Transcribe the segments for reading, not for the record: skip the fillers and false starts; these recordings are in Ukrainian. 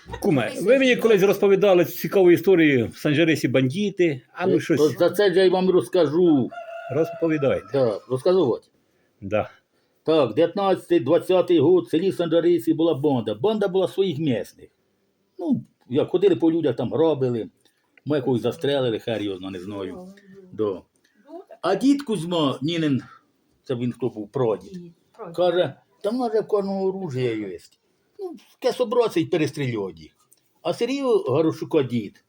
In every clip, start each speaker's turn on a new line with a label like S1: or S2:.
S1: Куме, ви мені колись розповідали цікаву історію в Санжарисі бандити, а ну
S2: То
S1: щось
S2: за це ж я й вам розкажу.
S1: розповідайте.
S2: Так, розказувати.
S1: Да.
S2: Так, 19-20 год в селі Санжарисі була банда. Банда була своїх місних. Ну, як ходили по людях, там грабили, ми якогось застрелили, хер його зна, не знаю. Да. А дід Кузьма, Нінин, це він хто був, прадід, каже, там в нас же в кожного оружия є. Ну, кесобраться й перестрілюють їх. А Сергій Горошука дід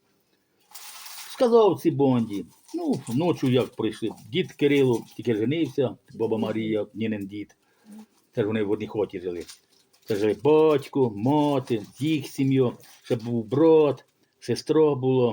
S2: сказав цій банді, ну, ночі як прийшли, дід Кирило тільки женився, баба Марія, Нінин дід, це ж вони в одній хаті жили. Це жили батько, мати, їх сім'я, ще був брат, сестра була.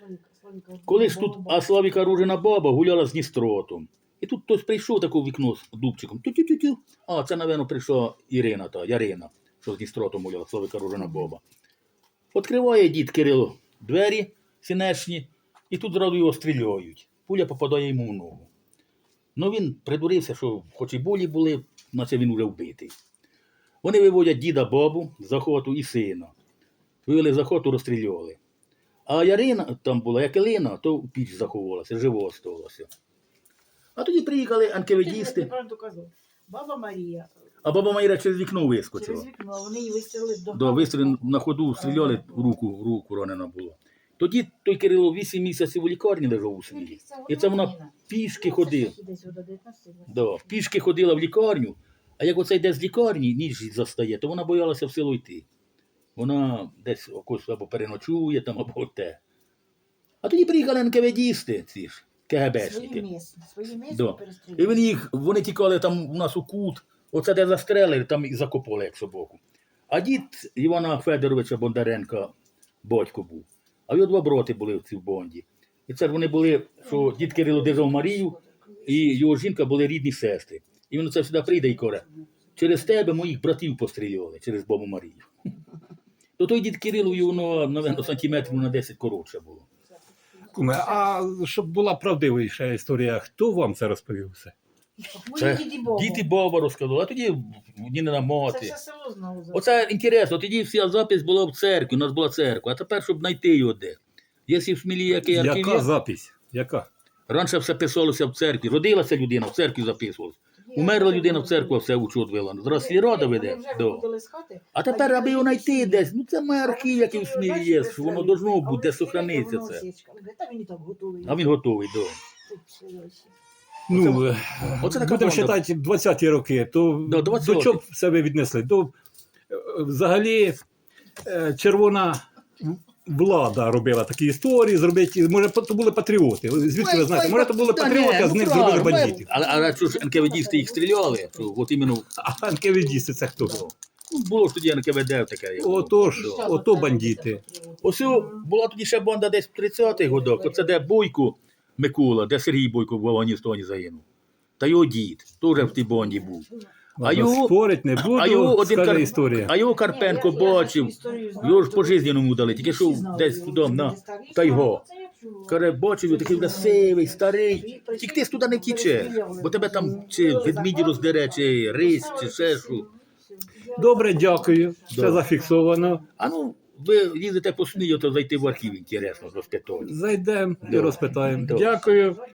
S2: Коли ж тут Славіка Ружина баба гуляла з Дністротом. І тут хтось прийшов таке в вікно з дубчиком. Тю-тю-тю-тю. А, це, напевно, прийшла Ірина, Ярина, що з Дністротом гуляла, Славіка Ружина баба. Відкриває дід Кирило двері сінешні, і тут зразу його стріляють. Пуля попадає йому в ногу. Ну він придурився, що хоч і болі були, наче він уже вбитий. Вони виводять діда бабу з охоту і сина. Вивели з охоту, розстріляли. А Ярина там була, як Елина, то в піч заховалася, живо осталося. А тоді приїхали анкеведісти,
S3: Правду казав. Баба Марія.
S2: а баба Майра через вікно вискочила.
S3: Через вікно, вони її вистрілили до
S2: Да, вистріли на ходу, стріляли, в руку ранена була. Тоді той Кирило 8 місяців у лікарні лежав у селі. І це вона пішки ходила. Да, пішки ходила в лікарню, а як оце йде з лікарні, ніч застає, то вона боялася в село йти. Вона десь якось або переночує там, або те. А тоді приїхали НКВДісти, ці ж, КГБшники.
S3: Свої місця
S2: Да. І
S3: перестрілювали.
S2: вони тікали там у нас у кут, оце де застрелили, там і закопали як собаку. А дід Івана Федоровича Бондаренка батько був. А його два брати були в цій банді. І це ж вони були, що дід Кирило держав Марію, і його жінка були рідні сестри. І він оце сюди прийде і каже, через тебе моїх братів постріляли, через бабу Марію. То той дід Кирило, його, напевно, сантиметрів на 10 коротше було.
S1: Куме, а щоб була правдивіша історія, хто вам це розповів все?
S3: Мої діді Богу.
S2: Дід і баба розказали, а тоді Ніна
S3: Це
S2: мати.
S3: все село знову.
S2: Оце інтересно, тоді вся запись була в церкві, у нас була церква, а тепер, щоб знайти його де. Якщо в Смілі який архів
S1: Яка
S2: є,
S1: запись? Яка?
S2: раніше все писалося в церкві, родилася людина, в церкві записувалося. Умерла людина в церкву, все учет вела. Зараз сільрада веде. Да. А тепер, аби його знайти десь, ну це має архів, який в Смілі є, що воно должно бути, де сохраниться це.
S3: Та він і так готовий.
S2: А він готовий, так.
S1: Ну,
S2: Оце така
S1: будемо
S2: банда.
S1: вважати 20-ті роки, то
S2: Да, 20-ті.
S1: до чого б себе віднесли? До, взагалі, червона влада робила такі історії, зробити, може, то були патріоти. Звідки ви знаєте? Може, то були патріоти, а з них зробили бандитів.
S2: А що ж НКВДісти їх стріляли? Що, от іменно,
S1: А НКВДісти це хто?
S2: ну, було ж тоді НКВД таке. як було.
S1: Отож, ото бандити.
S2: Ось була тоді ще банда десь в 30-х годах. Оце де Бойко Микола, де Сергій Бойко в Афганістані загинув. Та його дід теж в тій банді був.
S1: Ладно, спорить не буду, скаже історія.
S2: А його Карпенко бачив, його ж по-жизненому дали, тільки що десь туди на Тайго. Каже, бачив, його такий вже сивий, старий. Тільки ти туди не тічеш, бо тебе там чи ведміді роздере, чи рись, чи ще що.
S1: Добре, дякую. Все
S2: Да.
S1: зафіксовано.
S2: А ну, ви їздите по СМІ, то зайти в архів, інтересно, розпитати.
S1: Зайдемо і
S2: Да.
S1: розпитаємо.
S2: Да.
S1: Дякую.